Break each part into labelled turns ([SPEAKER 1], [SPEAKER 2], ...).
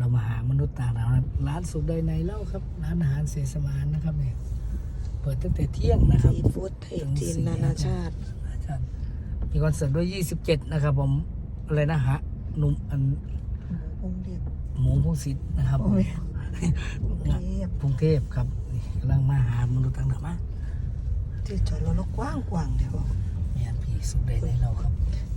[SPEAKER 1] เรามาหามนุษย์ต่างดาวร้านสุดใดในเล่าครับร้านอาหารเสสมานนะครับเนี่ยเปิดตั้งแต่เที่ยงนะครับ
[SPEAKER 2] ซีฟู้ดไทยจีนนานาชาติ
[SPEAKER 1] มีคอนเสิร์ตด้วย27นะครับผมอะไรนะฮะหนุ่มอันหมูพงศิษฐ์นะครับกรุงเทพครับกำลังมาหามนุษย์ต่างดาวมา
[SPEAKER 2] ที่จอดรถกว้างเดี๋ยว
[SPEAKER 1] เนี่ยพี่สุดใดในเราครับ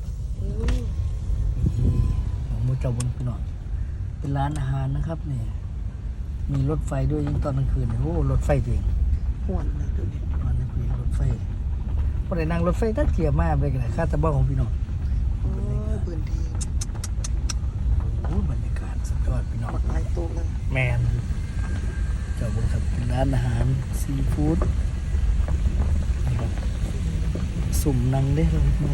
[SPEAKER 1] ของมูเจ้าบนพี่น้องเป็นร้านอาหารนะครับเนี่ยมีรถไฟด้วยยิ่งตอนกลางคืนโอ้รถไฟเอง
[SPEAKER 2] ห่วนเลยดูดิ
[SPEAKER 1] ตอนนี้คุยรถไฟพอได้นั่งรถไฟตั้งเกียร์มากไปกันเลยค่าตะบ้าของพี่น้อง
[SPEAKER 2] พื้นที่
[SPEAKER 1] โอ้บรรยากาศสุดยอดพี่น้อง
[SPEAKER 2] หลายตัวเลย
[SPEAKER 1] แมนเจ้าบนครับเป็นร้านอาหารซีฟู้ดนะครับสุ่มนังได้เลยไหม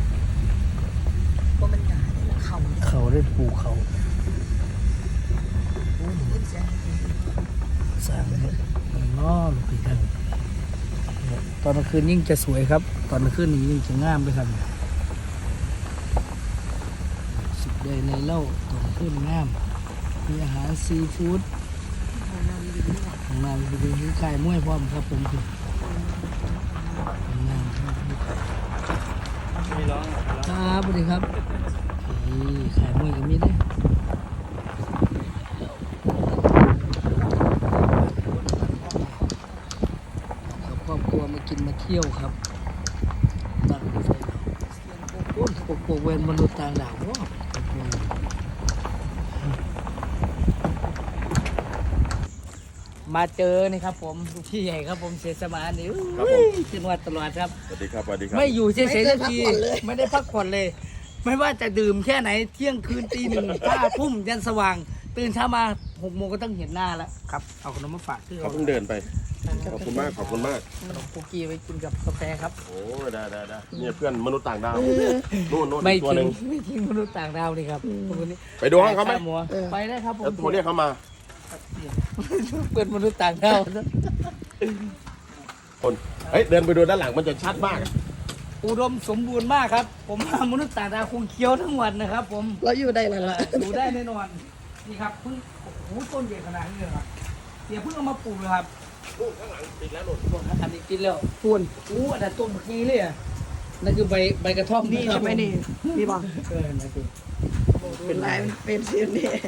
[SPEAKER 2] ว่ามันหนาเนี่ย
[SPEAKER 1] เขาได้ปูเขาสร้างเนี่ยล้อลูกพี่กันตอนกลางคืนยิ่งจะสวยครับตอนกลางคืนนี้ยิ่งจะงามไปครับสุดใดในเล่าตอนกลางคืนงามมีอาหารซีฟู้ดของนางไปดูที่ขายมวยพร้อมครับผมคืองามครับครับสวัสดีครับขายมวยกับมีได้ครอบครัวมากินมาเที่ยวครับตั้งรถไฟโอ้โหปกเวนมนุษย์ต่างดาวว้าวมาเจอนี่ครับผมพี่ใหญ่ครับผมเสสมานนี่จังหวัดตลอดครับ
[SPEAKER 3] สวัสดีครับสวัสดีครับ
[SPEAKER 1] ไม่อยู่เฉยๆสักทีไม่ได้พักผ่อนเลยไม่ว่าจะดื่มแค่ไหนเที่ยงคืนตี 1 5 ทุ่มยันสว่างตื่นเช้ามา6 โมงก็ต้องเห็นหน้าแล้วครับเอาขนมมาฝากที่
[SPEAKER 3] เขาเพิ่งเดินไปขอบคุณมากขอบคุณมาก
[SPEAKER 1] ขนมคุกกี้ไว้กินกับกาแฟครับ
[SPEAKER 3] โอ้ได้เนี่ยเพื่อนมนุษย์ต่างดาวนู่น
[SPEAKER 1] ไม่
[SPEAKER 3] ตัวหนึ่ง
[SPEAKER 1] ไม่ทิ้งมนุษย์ต่างดาวนี่ครับ
[SPEAKER 3] ไปดูห้องเขาไหม
[SPEAKER 1] ไปได้ครับผม
[SPEAKER 3] โทรเรียกเขามา
[SPEAKER 1] เปิดมนุษย์ต่างดาว
[SPEAKER 3] คนเดินไปดูด้านหลังมันจะชัดมาก
[SPEAKER 1] อุดมสมบูรณ์มากครับผมว่ามนุษย์ต่างดาวคงเคี้ยวทั้งวันนะครับผม
[SPEAKER 2] เราอยู่ได้แล้วล่ะ
[SPEAKER 1] อยู่ได้แน่นอนนี่ครับเพิ่งโอ้โหต้นใหญ่ขนาดนี้เลยครับเดี๋ยวเพิ่งเอามาปลูกเลยครับ
[SPEAKER 3] ข้างหลังติดแล้วหลุด
[SPEAKER 1] อันนี้กินแล้ว
[SPEAKER 2] พูน
[SPEAKER 1] อันนั้นต้นเมื่อกี้เลยอ่ะนั่นคือใบกระท่อม
[SPEAKER 2] นี่ใช่ไหมนี่บอก
[SPEAKER 1] นั่นคือ
[SPEAKER 2] เป็นลายเป็นเสียนนี่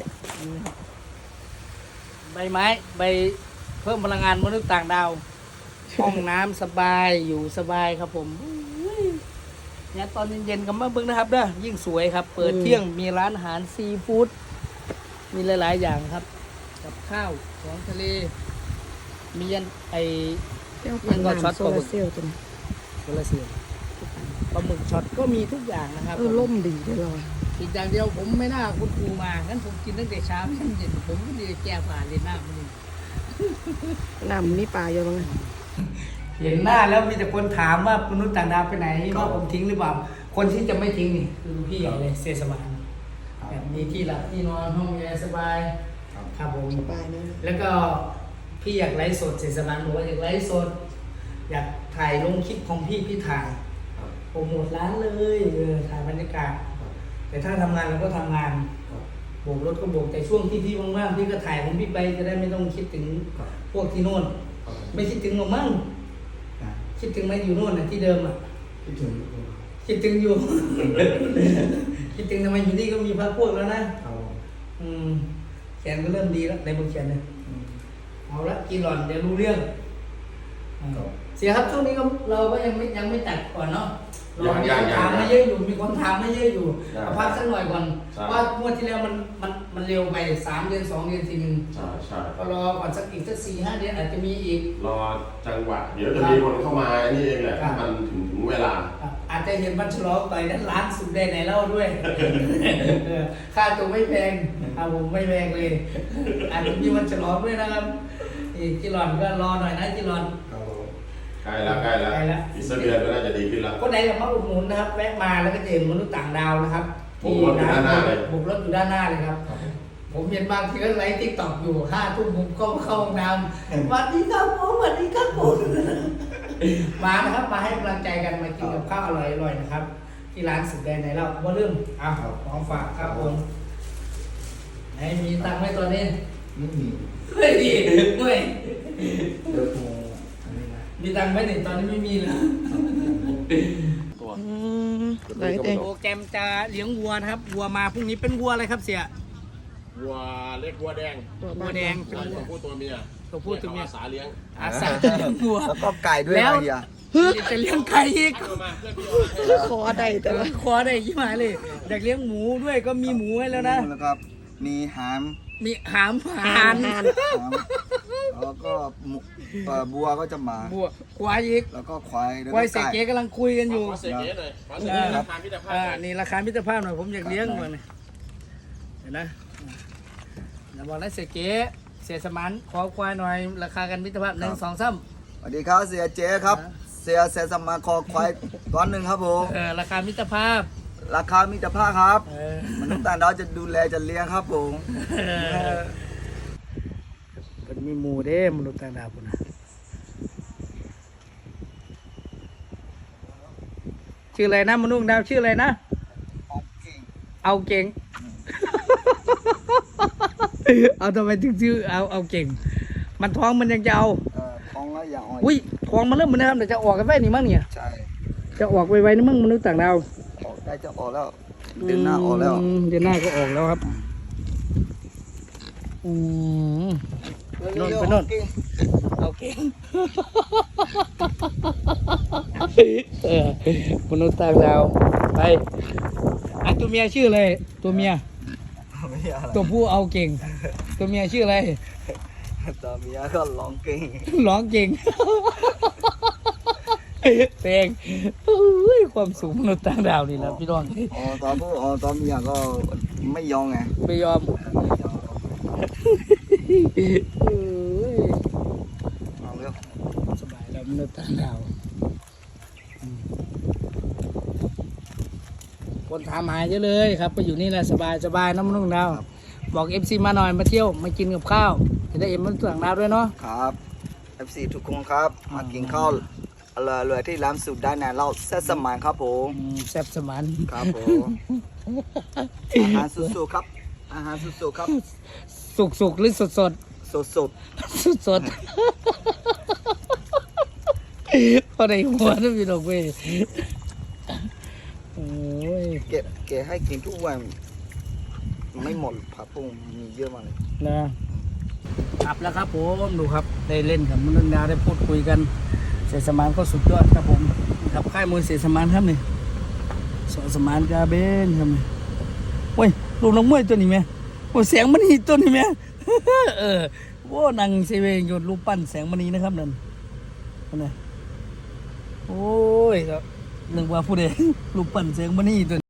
[SPEAKER 1] ใบไม้ใบเพิ่มพลังงานมนุษย์ต่างดาวห้องน้ำสบายอยู่สบายครับผมเนี่ยตอนเย็นๆกับมาเบิ้งนะครับเด้อยิ่งสวยครับเปิดเที่ยงมีร้านอาหารซีฟู้ดมีหลายๆอย่างครับกับข้าวของทะเลมียันยังก็ช็อตปลาหมึก
[SPEAKER 2] เซลล์ตัวนี้
[SPEAKER 1] โซลาเซลล์ปลาหมึกช็อตก็มีทุกอย่างนะครับ
[SPEAKER 2] ล่มดีด้วยเรา
[SPEAKER 1] อีกอย่างเดียวผมไม่น่าคุณครูมางั้นผมกินตั้งแต่เช้าจนเย็นผมก็ดีแก้ผ่านเลยหน้ามันนี่
[SPEAKER 2] น้ำนี่ปลาเยอะมั้ง
[SPEAKER 1] เห็นหน้าแล้วมีแต่คนถามว่ามนุษย์ต่างดาวไปไหนว่าผมทิ้งหรือเปล่าคนที่จะไม่ทิ้งนี่คือพี่ใหญ่เลยเสสมานแบบมีที่หลับที่นอนห้องแอร์สบายครับผม
[SPEAKER 2] สบายนะ
[SPEAKER 1] แล้วก็พี่อยากไลฟ์สดเสสมานบอกว่าอยากไลฟ์สดอยากถ่ายลงคลิปของพี่ถ่ายโปรโมทร้านเลยถ่ายบรรยากาศแต่ถ้าทำงานเราก็ทำงานโบกรถก็โบกแต่ช่วงที่พี่ว่างๆพี่ก็ถ่ายของพี่ไปจะได้ไม่ต้องคิดถึงพวกที่โน่นไม่คิดถึงหรอกมั้งคิดถึงไหมอยู่โน่นน่ะที่เดิมอ่ะคิดถึงอยู่ คิดถึงทำไมอยู่นี่ก็มีพรรคพวกแล้วนะแขนก็เริ่มดีแล้วในบนแขนเนี่ยเอาละกินหล่อนเดี๋ยวรู้เรื่องเสียครับช่วงนี้ก็เราก็ยังไม่ตัดก่อนเนาะเรามีคนถามมาเยอะอยู่มีคนถามมาเยอะอยู่พักสักหน่อยก่อนว่างวดที่แล้วมันเร็วไป3 เดือน2 เดือนทีนึง
[SPEAKER 3] ใช่
[SPEAKER 1] ก็รอก่อนสักอีกสัก4-5 เดือนอาจจะมีอีก
[SPEAKER 3] รอจังหวะเดี๋ยวจะมีคนเข้ามานี่เองแหละถ้ามันถึงเวลา
[SPEAKER 1] อาจจะเห็นมันฉลองไปนั้นร้านสุดได้ไหนเล่าด้วยค่าตัวไม่แพงผมไม่แพงเลยอาจจะมีมันฉลองด้วยนะครับจิรอนก็รอหน่อยนะจิรอน
[SPEAKER 3] ใกล้แล้วอีกสักเดือนก็น่าจะดีขึ้นแล้ว
[SPEAKER 1] คนไหนอยากมาอุดหนุนนะครับแวะมาแล้วก็จะเห็นมนุษย์ต่างดาวนะครับ
[SPEAKER 3] บุกรถอยู่ด้านหน้าเลย
[SPEAKER 1] ครับผมเห็นบางทีก็ไลฟ์ติ๊กต็อกอยู่5 ทุ่มผมก็เข้าห้องน้ำสวัสดีครับผมสวัสดีครับผมมานะครับมาให้กำลังใจกันมากินกับข้าวอร่อยๆนะครับที่ร้านสุดแดนไหนเราว่าเริ่มของฝากครับผมไอ้มีตังค์ไหมตอนนี้
[SPEAKER 4] ไม่มี
[SPEAKER 1] ไม่ดีไม่
[SPEAKER 4] เดี๋ยวกูอันนี้นะ
[SPEAKER 1] มีตังค์ไหมเนี่ยตอนนี้ไม่มีเลย
[SPEAKER 2] อืมไหนเต็ง
[SPEAKER 1] โปรแกรมจะเลี้ยงวัวนะครับวัวมาพรุ่งนี้เป็นวัวอะไรครับเสีย
[SPEAKER 3] วัวเล็กวัวแดง
[SPEAKER 1] วัวแดงเป็น
[SPEAKER 3] ตัว
[SPEAKER 1] วัว
[SPEAKER 3] ผู้ตัวเมีย
[SPEAKER 1] ตัวผู้ตัวเมีย
[SPEAKER 3] อาสาเลี้ยง
[SPEAKER 1] อาสาเลี้ยงวัว
[SPEAKER 4] แล้วก็ไก่ด้วย
[SPEAKER 1] แล้ว
[SPEAKER 4] นะเฮีย
[SPEAKER 1] จะเลี้ยงไก่อีก
[SPEAKER 3] เอามาเพื่อนพี่เอามา
[SPEAKER 2] ขอได้แต่ว่า
[SPEAKER 1] คอได้ยี่หมายเลยอยากเลี้ยงหมูด้วยก็มีหมูให้แล้วนะ
[SPEAKER 4] แล้วก็มีหาม
[SPEAKER 1] มีหามหาน
[SPEAKER 4] แล้วก็หมูบัวก็จะมา
[SPEAKER 1] บัวควายอีก
[SPEAKER 4] แล้วก็ควายแล้ว
[SPEAKER 1] ควาย
[SPEAKER 4] ก็
[SPEAKER 1] เสก
[SPEAKER 4] ไก่
[SPEAKER 1] เก๋กำลังคุยกันอยู่
[SPEAKER 3] ขอเสกเก๋หน่อยขอเสกเก๋ราคามิตรภาพหน่อย
[SPEAKER 1] นี่ราคามิตรภาพหน่อยผมอยากเลี้ยงมันยเห็นนะอย่าบอกนะเสกเก๋เสียสมานขอควายหน่อยราคากันมิตรภาพ1 2 3
[SPEAKER 4] สวัสดีครับเสียเจ๊ครับ เสียสมมาคอควายก้อนหนึ่งครับผม
[SPEAKER 1] ราคามิตรภาพ
[SPEAKER 4] ราคามิตรภาพครับ
[SPEAKER 1] เออ
[SPEAKER 4] มนุษย์ต่างดาวจะดูแลจะเลี้ยงครับผม
[SPEAKER 1] เป็นมีหมูเด้มนุษย์ต่างดาวพุ่นนะชื่ออะไรนะมนุษย์ดาวชื่ออะไรนะ เอาเก่ง เอาทำไมถึงชื่อเอาเก่ง มันท้องมันยังจะเอา
[SPEAKER 4] ท้องแล้วอย่างอ่อน
[SPEAKER 1] อุ้ยท้องมันเริ่มเหมือนเดิมเดี๋ยวจะออกกันไว้นี่มั้งเนี่ย
[SPEAKER 4] ใช่
[SPEAKER 1] จะออกไวๆนี่มั้งมนุษย์ต่างดาว
[SPEAKER 4] ออกได้จะออกแล้วเดือนหน้าออกแล้ว
[SPEAKER 1] เดือนหน้าก็ออกแล้วครับอืม โน่นไปโน่น เอาเก่งมนุษย์ต่างดาวไปไอตัวเมียชื่ออะไรตัวเมีย
[SPEAKER 4] ไม่ใช่อะไร
[SPEAKER 1] ตัวผู้เอาเก่ง ตัวเมียชื่ออะไร
[SPEAKER 4] ตัวเมียก็ร้องเก่ง
[SPEAKER 1] ร้องเก่งเพลงอุ้ยความสูงมนุษย์ต่างดาวนี่นะพี่น้อง
[SPEAKER 4] ตัวผู้ตัวเมียก็ไม่ยอมไง
[SPEAKER 1] ไม่ยอม
[SPEAKER 4] ไม่ยอม
[SPEAKER 1] เอ้ย
[SPEAKER 4] เอาเร็ว
[SPEAKER 1] สบายแล้วมนุษย์ต่างดาวคนถามหาเยอะเลยครับก็อยู่นี่แหละสบายนะมนุษย์ต่างดาวบอกเอฟซีมาหน่อยมาเที่ยวมากินกับข้าวจะได้เอ็มมนุษย์ต่างดาวด้วยเนาะ
[SPEAKER 4] ครับ FC ทุกคนครับมากินข้าวเลยที่ร้านสุดได้นะเราเซตสมานครับผม
[SPEAKER 1] แซ่บสมาน
[SPEAKER 4] ครับผมอาหารสุดๆครับอาหารสุดๆครับ
[SPEAKER 1] สุกหรือสด
[SPEAKER 4] สุด
[SPEAKER 1] สดพอได้หัวนะพี่น้องเว้ยโอ้ย
[SPEAKER 4] ๆเก็บให้กินทุกวันไม่หมดผักปุ้งมีเยอะมากเลย
[SPEAKER 1] นะครับแล้วครับผมดูครับได้เล่นกับมนุษย์ดาวได้พูดคุยกันเสียสมานก็สุดยอดครับผมกับค่ายมวยเสียสมานครับนี่สอสมานกาเบนครับนี่โอ้ยลูกน้องมวยตัวนี้ไหมโอ้ยแสงมณีตัวนี้ไหม โอ้นางเซเวงโยนรูปปั้นแสงมณีนะครับนั่นนั่นโอ้ยนึกว่าผู้ใดรูปปั้นแสงมณีตัว